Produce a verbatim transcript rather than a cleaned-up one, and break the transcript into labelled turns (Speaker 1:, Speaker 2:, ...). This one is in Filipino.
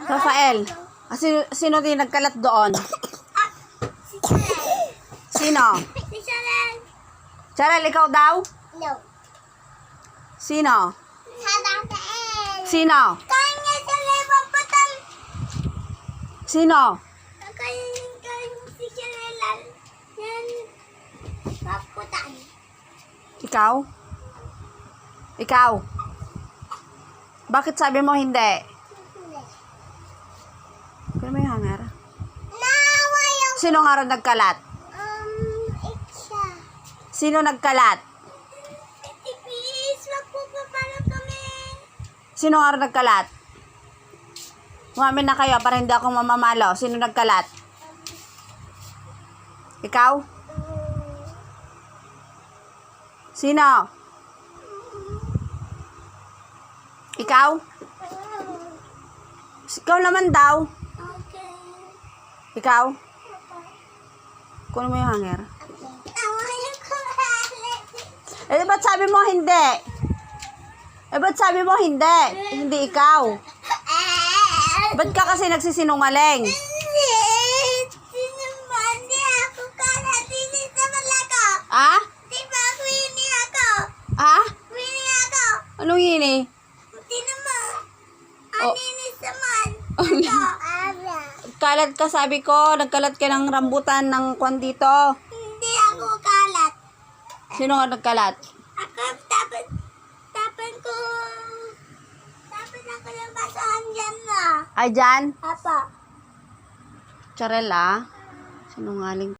Speaker 1: Rafael, ah, sino, sino din nagkalat doon?
Speaker 2: Si Charel.
Speaker 1: Sino?
Speaker 2: Si Charel.
Speaker 1: Charel, ikaw daw?
Speaker 2: No.
Speaker 1: Sino?
Speaker 2: Sa Rafael.
Speaker 1: Sino?
Speaker 2: Kanya Charel paputan.
Speaker 1: Sino?
Speaker 2: Kanya kanya si Charel. Yan. Paputan.
Speaker 1: Ikaw? Ikaw? Bakit sabi mo hindi? Kaya may hanger.
Speaker 2: Nawa yung...
Speaker 1: Sino nga rin nagkalat?
Speaker 2: Um, Iksha.
Speaker 1: Sino nagkalat?
Speaker 2: Please, magpupapalo kami.
Speaker 1: Sino nga rin nagkalat? Umamin na kayo para hindi ako mamamalo. Sino nagkalat? Ikaw? Sino? Ikaw? Ikaw naman daw.
Speaker 2: Okay.
Speaker 1: Ikaw? Kunin mo yung hanger.
Speaker 2: Nawa yung kumalit.
Speaker 1: Eh, ba't sabi mo hindi? Eh, ba't sabi mo hindi? Hindi ikaw. Ba't ka kasi nagsisinungaling?
Speaker 2: Hindi. Sinumandi ako kala. Hindi naman ako.
Speaker 1: Ah?
Speaker 2: Di ba ako ini ako?
Speaker 1: Ah?
Speaker 2: Ini ako.
Speaker 1: Anong yini?
Speaker 2: Di naman.
Speaker 1: Oh.
Speaker 2: Aninis naman. Ito. Abra.
Speaker 1: Kalat ka, sabi ko. Nagkalat ka ng rambutan ng kwan dito.
Speaker 2: Hindi ako kalat.
Speaker 1: Sino nga nagkalat?
Speaker 2: Ako dapat dapat ko dapat ako yung basahan dyan na.
Speaker 1: Ay, dyan?
Speaker 2: Apa.
Speaker 1: Charel, ah. Sinungaling.